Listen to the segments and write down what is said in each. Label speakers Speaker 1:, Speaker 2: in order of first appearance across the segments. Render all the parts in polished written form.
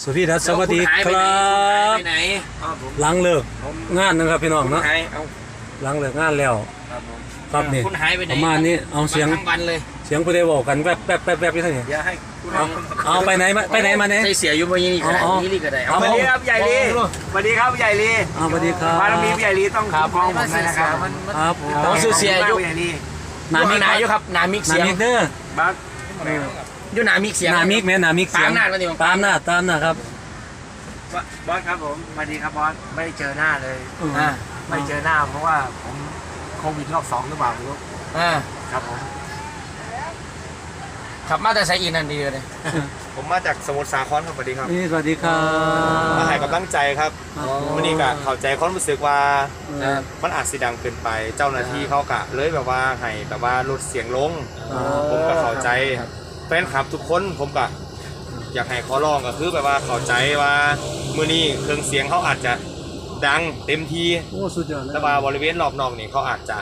Speaker 1: สุธีทัศน์สวัสดีครับหลังเลิกงานนะครับพี่น้องเนาะหลังเลิกงานแล้วครับนี่ประมาณนี้เอาเสียงผู้ใดบอกกันแวบที่ท่านนี่เอาไปไหนมาเนี่ย
Speaker 2: ใส่เสียอยู่บนนี้นี่ก็ได้
Speaker 3: สวัสดีครับใหญ่ลีสวัสดีครับใหญ่ลี
Speaker 1: สวัสดีครับ
Speaker 3: บารมีใหญ่ลีต้องคุ้มครองผมนะครับ
Speaker 1: ครับ
Speaker 2: ผมซื้อเสียอยู่นามิกครับนามิกเสียง
Speaker 1: เด้อ
Speaker 3: บัก
Speaker 2: อยู่นามิกเสียง
Speaker 1: นามิกแม่นามิกเสียงตามหน้าครับ
Speaker 3: บอสครับผมสวัสดีครับบอสไม่ได้เจอหน้าเลยไม่เจอหน้าเพราะว่าผมโควิดรอบ2หรือเปล่าไม่รู้ครับผม
Speaker 2: ขับมาแต่ใส่อีนั่นดีเลย
Speaker 4: ผมมาจากสมุทรสาครครับสวัสดีครับ
Speaker 1: สวัสดีครับ
Speaker 4: มาให้กำลังใจครับวันนี้ก็เข้าใจความรู้สึกว่ามันอาจสิดังเกินไปเจ้าหน้าที่เขากะเลยแบบว่าให้แบบว่าลดเสียงลงผมก็เข้าใจแฟนคลับทุกคนผมก็อยากให้ขอร้องก็คือแบบว่าเข้าใจว่ามื้อนี้เครื่องเสียงเขาอาจจะดังเต็มที่
Speaker 1: สุดยอด
Speaker 4: แต่ว่าบริเวณรอบนอกนี่เขาอาจจะ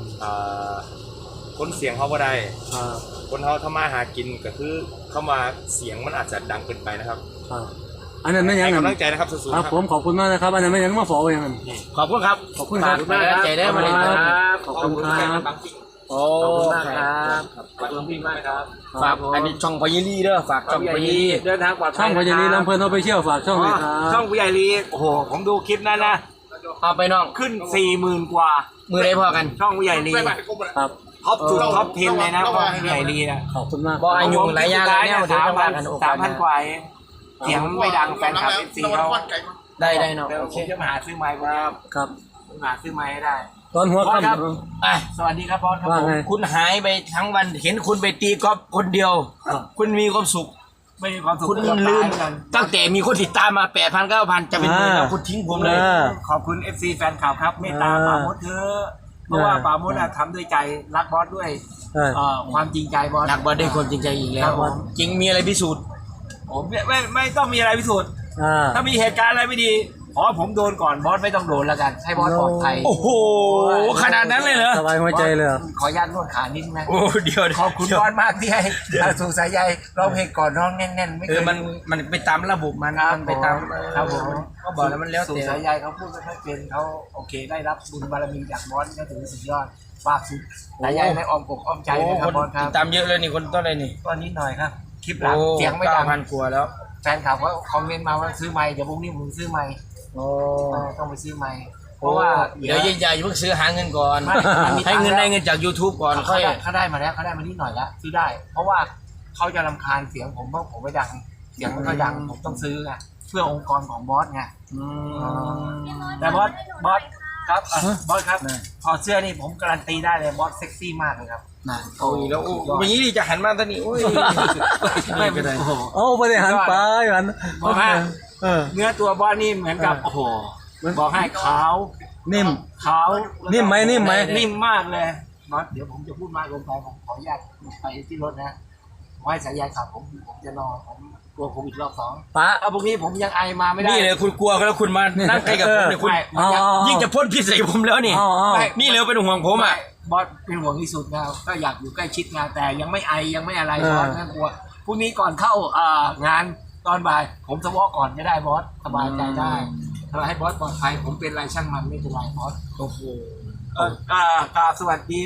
Speaker 4: คนเสียงเขาบ่ได้คนเขาทำมาหากินก็คือเข้ามาเสียงมันอาจจะดังเกินไปนะครับ
Speaker 1: อันนั้นไม่ยัง
Speaker 4: กำลังใจนะครับสู้ๆครับ
Speaker 1: ผมขอบคุณมากนะครับอันนั้นไม่ยังมาฝากอย่างนั้น
Speaker 2: ขอบคุณครับ
Speaker 1: ขอบคุณครับ
Speaker 2: กำลังใจได้มาเลยครับ
Speaker 1: ขอบคุณครับ
Speaker 2: โอ้
Speaker 3: ครับขอบคุณพี่มากครับ
Speaker 2: ฝากอันนี้ช่องพญาลีเด้อฝากช่องพญาลี
Speaker 3: เดินทางปลอดภัย
Speaker 1: ช่องพญาลีลำเพลินเอาไปเชี่ยวฝากช่องเลยครับ
Speaker 3: ช่องผู้ใหญ่ลีโอ้โหผมดูคลิปนั้นนะ
Speaker 2: เอาไปน้อง
Speaker 3: ขึ้น 40,000 กว่า
Speaker 2: มือได้พอกัน
Speaker 3: ช่องผู้ใหญ่ลี
Speaker 1: ครับ
Speaker 3: ท็อปสุดท็อป10เลยนะช่องผู้ใหญ่ลีนะ
Speaker 1: ขอบคุณมาก
Speaker 2: บอกอายุหลายอย่างแล้วเดี๋ยวต้องว่ากันโอกาส
Speaker 3: 3,000 กว่าเสียงไม่ดังแฟนคลับเป็นซีเขา
Speaker 2: ได้เนาะ
Speaker 3: โอเคจะมาหาซื้อไมค์
Speaker 1: ครับ
Speaker 3: หาซื้อไมค์ให้ได้
Speaker 1: ตอนหัวค่
Speaker 3: ำสวัสดีครับบอสครับ
Speaker 2: คุณหายไปทั้งวันเห็นคุณไปตีกอล์ฟคนเดียวคุณมีความสุข
Speaker 3: ไม่มีความสุข
Speaker 2: คุณลืมตั้งแต่มีคนติดตามมา 8,000 9,000 จะเป็นหมื่นแล้วคุณทิ้งผมเลย
Speaker 3: ขอบคุณ FC แฟนคลับครับเมตตาป่ามดเถอะเพราะว่าป่ามดทำด้วยใจรักบอสด้วยความจริงใจบอส
Speaker 2: รักบอสด้วยความจริงใจอีกแล้วจริงมีอะไรพิสูจน์
Speaker 3: ผมไม่ต้องมีอะไรพิสูจน์ถ้ามีเหตุการณ์อะไรไม่ดีขอผมโดนก่อนบอสไม่ต้องโดนแล้วกันให้บอสปลอดภัย
Speaker 2: โอ้โหขนาดนั้นเลยเหรอ
Speaker 1: สบายหัวใจเลย
Speaker 3: ขออนุญาตนวดขานิดนะ
Speaker 2: โอ้เดี๋ยว
Speaker 3: ขอบคุณบอสมากที่ให้สูสายใยร้องเพลงก่อนร้องแน่นๆไม่เคย
Speaker 2: มันไปตามระบบมันไปตาม
Speaker 3: ครับผม
Speaker 2: เขาบอกแล้วมันแล้ว
Speaker 3: สูสายใยเขาพูดไม่ค่อยเป็นเขาโอเคได้รับบุญบารมีจากบอสก็ถือสุดยอดฝากสุดสายใยในอ้อมอกอ้อมใจนะครับบอสครับ
Speaker 2: ตามเยอะเลยนี่คนต้นเลยนี่
Speaker 3: ก็นิดหน่อยครับคลิปหลังเสียงไม่ดัง
Speaker 2: 9,000 กว่าแล้ว
Speaker 3: แฟนคลับก็คอมเมนต์มาว่าซื้อไมค์เดี๋ยวพรุ่งนี้ผมซื้อไมค์ต้องไปซื้อไมค์เพราะว่า
Speaker 2: เดี๋ยวอย่าเพิ่งซื้อหาเงินก่อนให้เงินได้เงินจาก YouTube ก่อน
Speaker 3: เขาได้มาแล้วเขาได้มานิดหน่อยแล้วซื้อได้เพราะว่าเขาจะรำคาญเสียงผมเพราะผมไม่ดังเสียงมันก็ดังผมต้องซื้อไงเพื่อองค์กรของบอสไงแต่บอสครับบอสครับถอดเสื้อนี่ผมการันตีได้เลยบอสเซ็กซี่มากเลยครับ
Speaker 2: โอ้ยแล้ววันนี้จะหันมาตอนนี้โอ้ย
Speaker 3: ไม่เป็นไร
Speaker 1: ไม่ได้หันไปหัน
Speaker 3: บอกว่าเนื้อตัวบอสนี่เหมือนกับโอ้โหบอกให้ขาว
Speaker 1: นิ่ม
Speaker 3: นิ่ม
Speaker 1: ไหมนิ่
Speaker 3: มมากเลยบอสเดี๋ยวผมจะพูดมากลงไปผมขออนุญาตไปที่รถนะไว้สายยายขับผมจะนอนผมกลัวโควิดรอบ2
Speaker 1: ป้า
Speaker 3: พรุ่งนี้ผมยังไอมาไม่ได้
Speaker 2: นี่เลยคุณกลัวแล้วคุณมานั่งใกล้กับผมเนี่ยคุณยิ่งจะพ่นพิษใส่ผมแล้วนี่นี่เลยเป็นห่วงผมอ่ะ
Speaker 3: บอสเป็นห่วงที่สุดนะก็อยากอยู่ใกล้ชิดงานแต่ยังไม่ไอยังไม่อะไรบอสน่ากลัวพรุ่งนี้ก่อนเข้างานตอนบ่ายผมสวอก่อนก็ได้บอสสบายใจได้ให้บอสปลอดภัยผมเป็นไรช่างมันไม่เป็นไรบอส
Speaker 2: โอ้โห
Speaker 3: สวัสดี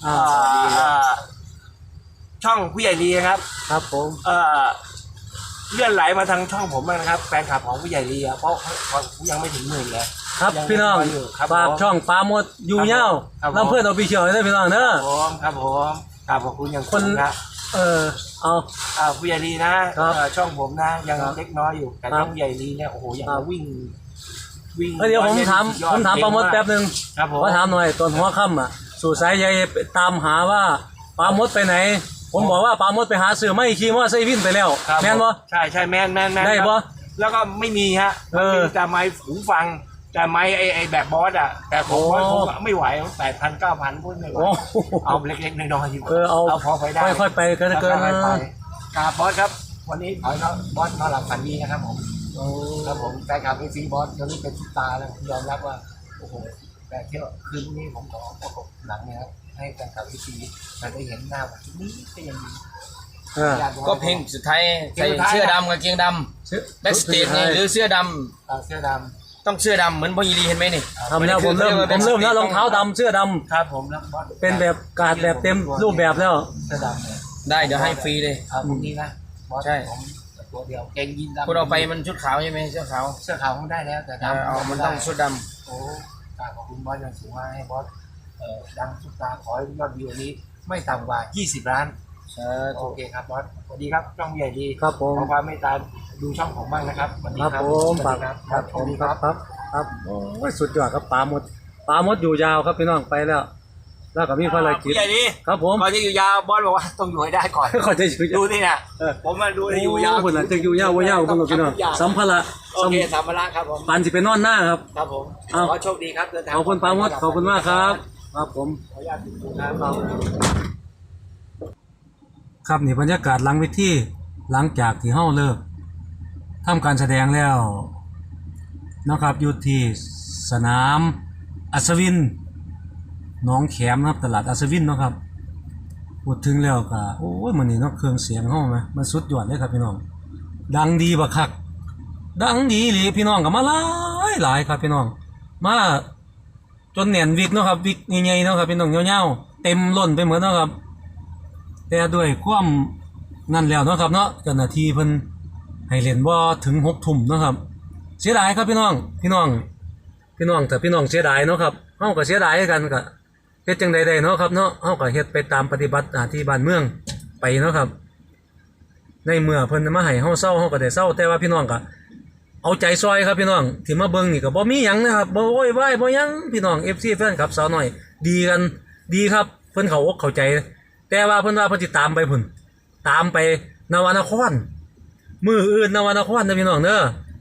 Speaker 3: ช่องผู้ใหญ่ลีครับ
Speaker 1: ครับผม
Speaker 3: เลื่อนไหลมาทางช่องผมนะครับแฟนคลับของผู้ใหญ่ลีเพราะยังไม่ถึง10,000เลย
Speaker 1: ครับพี่น้องฝากช่องปาหมดอยู่เย้าลำเพื่อนเอาไปเชียวได้พี่น้องเนอะ
Speaker 3: ครับผมขอบคุณอย่าง
Speaker 1: คนนะเอา
Speaker 3: ผู้ใหญ่ลีนะช่องผมนะยังเล็กน้อยอยู่แต่ช่องผู้ใหญ่ลีเนี่ยโอ้โหยังวิ่ง
Speaker 1: เดี๋ยวผมถามปาหมดแป๊บนึงว่าถามหน่อยตอนหัวค่ำสู่สายใยตามหาว่าปาหมดไปไหนผมบอกว่าปาหมดไปหาซื้อไม่ขี่มอไซค์วิ่งไปแล้วแม่นบ่
Speaker 3: ใช่แม่น
Speaker 1: ได้บ่
Speaker 3: แล้วก็ไม่มีฮะมีแต่ไม้หูฟังแต่ไม้ไอแบบบอสแต่ผมไม่ไหว8,000 9,000พูดไม่ไหวเอาเล็กๆน้อยๆอยู่
Speaker 1: เอา
Speaker 3: พอไปได้
Speaker 1: ค่อยๆไปเกิน
Speaker 3: ครับบอสครับวันนี้ขอให้บอสนอนหลับฝันดีนะครับผมครับผมแฟนคลับซีบอสตอนนี้เป็นซุปตาแล้วผมยอมรับว่าโอ้โหแต่เที่ยวคืนนี้ผมขอประกบหลังเนี่ยให้แฟนคลับซีมันได้เห็นหน้าแบบนี้ก็ยังดี
Speaker 1: เออ
Speaker 2: ก็เพลงสุดท้ายใส่เสื้อดำกางเกงดำแบ็กสเตจหรือเสื้อด
Speaker 3: เสื้อด
Speaker 2: ำต้องเสื้อดำเหมือนพ่อยีรีเห็นไหมนี่
Speaker 1: ทำแล้วผมเริ่มแล้วรองเท้าดำเสื้อดำ
Speaker 3: ำครับผมแล้วบอส
Speaker 1: เป็นแบบการดแบบเต็มรูปแบบแล้ว
Speaker 3: เสื้อดำเลย
Speaker 2: ได้เดี๋ยวให้ฟรีเลย
Speaker 3: เอาพวกนี้นะบอส
Speaker 2: ใช่
Speaker 3: ผมตัวเดียวเกงยีนดำ
Speaker 2: คุณเอาไปมันชุดขาวใช่ไหมเสื้อขาว
Speaker 3: เสื้อขาวผมได้แล้วแต่ดำ
Speaker 2: เอามันต้องชุดด
Speaker 3: โอ้ขอบคุณบอสอย่างสูงมากให้บอสดังสุดตาขอให้ยอดวิวนี้ไม่ต่ำกว่า20 ล้าน
Speaker 2: ำ
Speaker 3: โอเคครับบอสสวัสดีครับช่องใหญ่ดี
Speaker 1: ครับผม
Speaker 3: ขอความเมตตาดูช่องผมบ้างนะครับสวัสดี
Speaker 1: ครับ
Speaker 3: ครับ
Speaker 1: ผม
Speaker 3: สวัสดีครับ
Speaker 1: ครับผมครับโอ้ยสุดยอดครับปลาหมดอยู่ยาวครับพี่น้องไปแล้ว แล้วก็มีภารกิจ
Speaker 3: ใหญ่ดี
Speaker 1: ครับผม
Speaker 3: ก่อนจะอยู่ยาวบอสบอกว่าต้องอยู่ให้ได้ก่อน
Speaker 1: ขอจะอยู่
Speaker 3: ดูนี่นะ
Speaker 1: เออ
Speaker 3: ผมมาดูให้อยู่ยาว
Speaker 1: คนละจะอยู่ยาวว่ายาวคนละพี่น้องสัมภาระ
Speaker 3: โอเคสัมภาระครับผม
Speaker 1: ปันสิไปนอนหน้าครับ
Speaker 3: ครับผม
Speaker 1: เอา
Speaker 3: ขอโชคดีครับเดินทาง
Speaker 1: ขอบคุณปลาหมดขอบคุณมากครับครับผม
Speaker 3: ขออนุญาตดูนะครับ
Speaker 1: ครับนี่บรรยากาศหลังเวทีหลังจากที่เฮาเลิกทำการแสดงแล้วนะครับอยู่ที่สนามอัศวินหนองแขมนะครับตลาดอัศวินเนาะครับพูดถึงแล้วก็โอ้ยมื้อนี้เนาะเครื่องเสียงเฮาไหมมันสุดยอดเลยครับพี่น้องดังดีบักคักดังดีอีหลีพี่น้องก็มาหลายครับพี่น้องมาจนแน่นวิกเนาะครับวิกใหญ่ๆเนาะครับพี่น้องยาวๆเต็มล้นไปหมดเนาะครับ แต่ด้วยความนั่นแล้วเนาะครับเนาะเจ้าหน้าที่เพิ่นให้เล่นบ่ถึง6 ทุ่มเนาะครับเสียดายครับพี่น้องแต่พี่น้องเสียดายเนาะครับเฮาก็เสียดายกันก็เฮ็ดจังใดๆเนาะครับเนาะเฮาก็เฮ็ดไปตามปฏิบัติหน้าที่บ้านเมืองไปเนาะครับในเมื่อเพิ่นมาให้เฮาเศร้าเฮาก็ได้เศร้าแต่ว่าพี่น้องก็เอาใจซอยครับพี่น้องที่มาเบิ่งนี่ก็บ่มีหยังนะครับบ่โวยวายบ่หยังพี่น้อง FC แฟนคลับสาวน้อยดีกันดีครับเพิ่นเข้าอกเข้าใจแต่ว่าเพิ่นว่าเพิ่นสิตามไปพุ่นตามไปนวนครมื้ออื่นนวนครนะพี่น้องเด้อ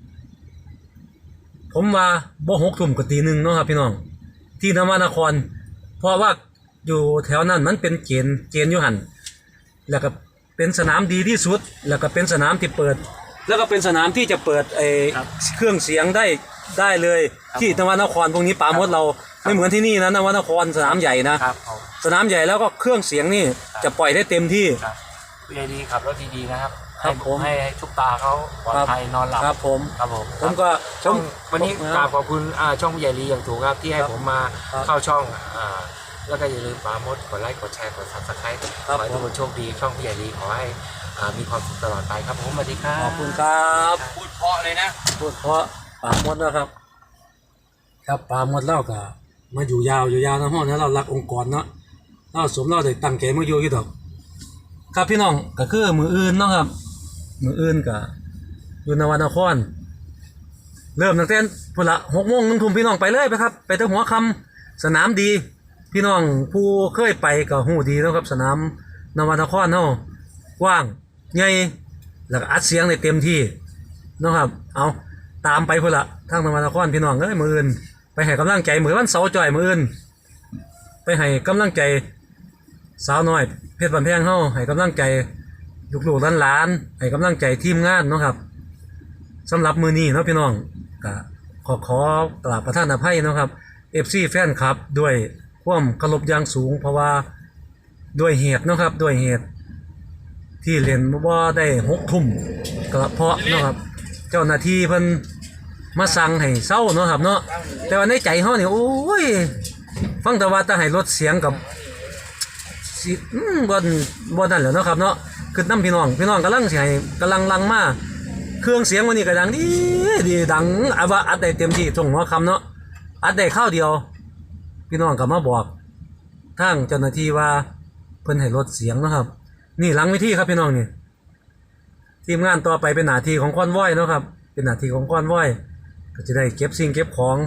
Speaker 1: ผมว่าบ่6 ทุ่มก็ตี 1เนาะครับพี่น้องที่นวนครเพราะว่าอยู่แถวนั้นมันเป็นเกณฑ์อยู่หั่นแล้วก็เป็นสนามดีที่สุดแล้วก็เป็นสนามที่เปิดแล้วก็เป็นสนามที่จะเปิดเครื่องเสียงได้เลยที่นวนครพวกนี้ปาหมดเราไม่เหมือนที่นี่นะนวนครสนามใหญ่นะครับ
Speaker 3: ผม
Speaker 1: สนามใหญ่แล้วก็เครื่องเสียงนี่จะปล่อยได้เต็มที่
Speaker 3: ครับใหญ่ดีขับรถดีๆนะครับ
Speaker 1: ครับผม
Speaker 3: ให้ทุกตาเขาปลอดภัยนอนหลับ
Speaker 1: ครับผม
Speaker 3: ครับผม
Speaker 1: ผมก็
Speaker 3: ช่องวันนี้
Speaker 1: ผม
Speaker 3: กราบขอบคุณช่องผู้ใหญ่ลีอย่างถูกครับที่ให้ผมมา
Speaker 1: ครับ
Speaker 3: เข้าช่องแล้วก็อย่าลืมปาโมดกดไลค์กดแชร์กด Subscribe ขอให้ทุกคนโชคดีช่องผู้ใหญ่ลีขอให้มีความสุขตลอดไปครับผมสวัสดีครับ
Speaker 1: ขอบคุณครับ
Speaker 2: พูดเพราะเลยนะ
Speaker 1: พูดเพราะปาหมดนะครับ ครับปาหมดเล่าก็มาอยู่ยาวนะห้องนะเรารักองค์กรเนาะเราสมเราได้ตั้งใจมาอยู่ดอกครับพี่น้องก็คือมืออื่นเนาะครับมืออื่นก็อยู่นวนครเริ่มตั้งแต่พุ่นละ6 โมง 1 ทุ่มพี่น้องไปเลยไปครับไปตั้งหัวค่ำสนามดีพี่น้องผู้เคยไปก็ฮู้ดีแล้วครับสนามนวนครเฮากว้างใหญ่แล้วก็อัดเสียงได้เต็มที่เนาะครับเอาตามไปพุ่นละทางนวนครพี่น้องเอ้ยมื้ออื่นไปให้กำลังใจมื้อวันเสาร์จ่อยมื้ออื่นไปให้กำลังใจสาวน้อยเพชรบันแพงเฮาให้กำลังใจลูกๆหลานๆให้กำลังใจทีมงานเนาะครับสำหรับมื้อนี้เนาะพี่น้องก็ขอกราบประทานอภัยเนาะครับ FC แฟนคลับด้วยความเคารพอย่างสูงเพราะว่าด้วยเหตุเนาะครับด้วยเหตุที่เล่นบ่ได้6 ทุ่มกระเพาะเนาะครับเจ้าหน้าที่เพิ่นมาสั่งให้เศร้าเนาะครับเนาะแต่ว่าในใจเฮานี่โอ้ยฟังแต่ว่าจะให้ลดเสียงกับสิบ่นั่นแหละเนาะครับเนาะคือน้ำพี่น้องกำลังสิให้กำลังลังมาเครื่องเสียงวันนี้ก็ดังดีดังว่าอัดได้เต็มที่ส่งหัวคำเนาะอัดได้ข้าวเดียวพี่น้องก็มาบอกทางเจ้าหน้าที่ว่าเพิ่นให้ลดเสียงเนาะครับนี่หลังเวทีครับพี่น้องนี่ทีมงานต่อไปเป็นหน้าที่ของคอนวอยเนาะครับเป็นหน้าที่ของคอนวอยก็จะได้เก็บสิ่งเก็บของ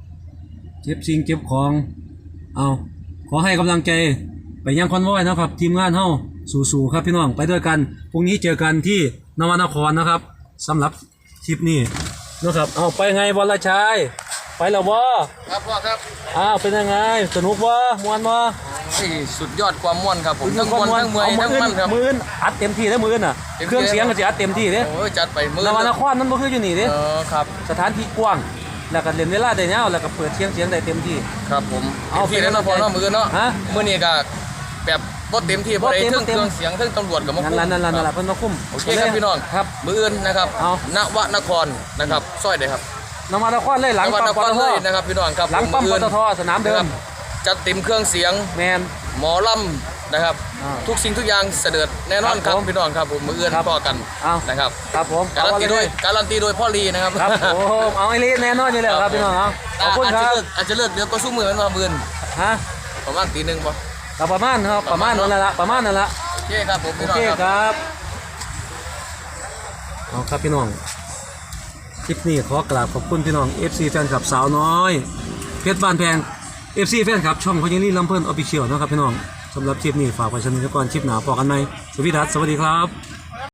Speaker 1: เอาขอให้กำลังใจไปยังคอนวอยนะครับทีมงานเฮาสู้ๆครับพี่น้องไปด้วยกันพรุ่งนี้เจอกันที่นวนครนะครับสำหรับคลิปนี้นะครับเอาไปไงบอลชัยไปแล้วบ่
Speaker 2: ครับพ่อครับ
Speaker 1: เป็นยังไงสนุกบ่ม่วนบ่
Speaker 2: สุดยอดความม่วนครับผมทั้งม่วนทั้งเมื่อยทั้งมันครับ
Speaker 1: มื้ออัดเต็มที่แล้วมื้อน่ะ
Speaker 2: เต็มที่
Speaker 1: เครื่องเสียงก็สิอัดเต็มที่เด้
Speaker 2: โอ้ยจัดไปมือน
Speaker 1: วนครมันบ่คืออยู่นี่เด้
Speaker 2: ครับ
Speaker 1: สถานที่กว้างแล้วก็เล่นเวลาได้ยาวแล้วก็เปิดเสียงได้เต็มที่
Speaker 2: ครับผม
Speaker 1: เอา
Speaker 2: ที่แล้วเนาะพ่อเนาะมือเนาะ
Speaker 1: ฮะ
Speaker 2: มื้อนี้ก็แบบบ่เต็มที่บ่ได้เครื่องเสียงเครื่องตำรวจกับมาคุ้ม
Speaker 1: นั่นล่ะเพิ่นมาคุ้ม
Speaker 2: โอเคครับพี่น้อง
Speaker 1: ครับ
Speaker 2: มื้ออื่นนะครับ
Speaker 1: เอา
Speaker 2: ณวนครนะครับซอยใดครับ
Speaker 1: นวัดนครเลยหลัง
Speaker 2: ณวน
Speaker 1: ปั๊ม
Speaker 2: ค
Speaker 1: ป
Speaker 2: ร
Speaker 1: ตท
Speaker 2: เลยนะครับพี่น้องครับ
Speaker 1: หลังปั๊มปตทสนามเดิม
Speaker 2: จัดเต็มเครื่องเสียง
Speaker 1: แมน
Speaker 2: หมอลำนะครับ
Speaker 1: อ่า
Speaker 2: ทุกสิ่งทุกอย่างเสด็จแน่นอนครับ
Speaker 1: ครับผม
Speaker 2: พี่น้องครับผมมื้ออื่น
Speaker 1: ครับ
Speaker 2: พอกัน
Speaker 1: เอา
Speaker 2: นะครับ
Speaker 1: ครับผม
Speaker 2: การันตีโดยพ่อลีนะครับ
Speaker 1: ครับผมเอาไอ้ลีแน่นอนอยู่แล้วครับพี่น้องเอาขอบคุณครับ
Speaker 2: อาจจะเลิกเดี๋ยวก็สู้มือมันมาเบือน
Speaker 1: ฮะ
Speaker 2: ประมาณตีหนึ่งป่ะ
Speaker 1: ก็ประมาณครับประมาณนั่นแหละประมาณนั่นแหละ
Speaker 2: โอเคครับผม
Speaker 1: โอ
Speaker 2: พี่น้อง
Speaker 1: เค
Speaker 2: ครับ
Speaker 1: ครับเอาครับพี่น้องคลิปนี้ขอกราบขอบคุณพี่น้อง FC แฟนคลับสาวน้อยเพชรบ้านแพง FC แฟนคลับช่องพญาลีลำเพิ่นออฟฟิเชียลนะครับพี่น้องสำหรับคลิปนี้ฝากไว้ชมกันก่อนคลิปหน้าพอกันไหมสวัสดีครับ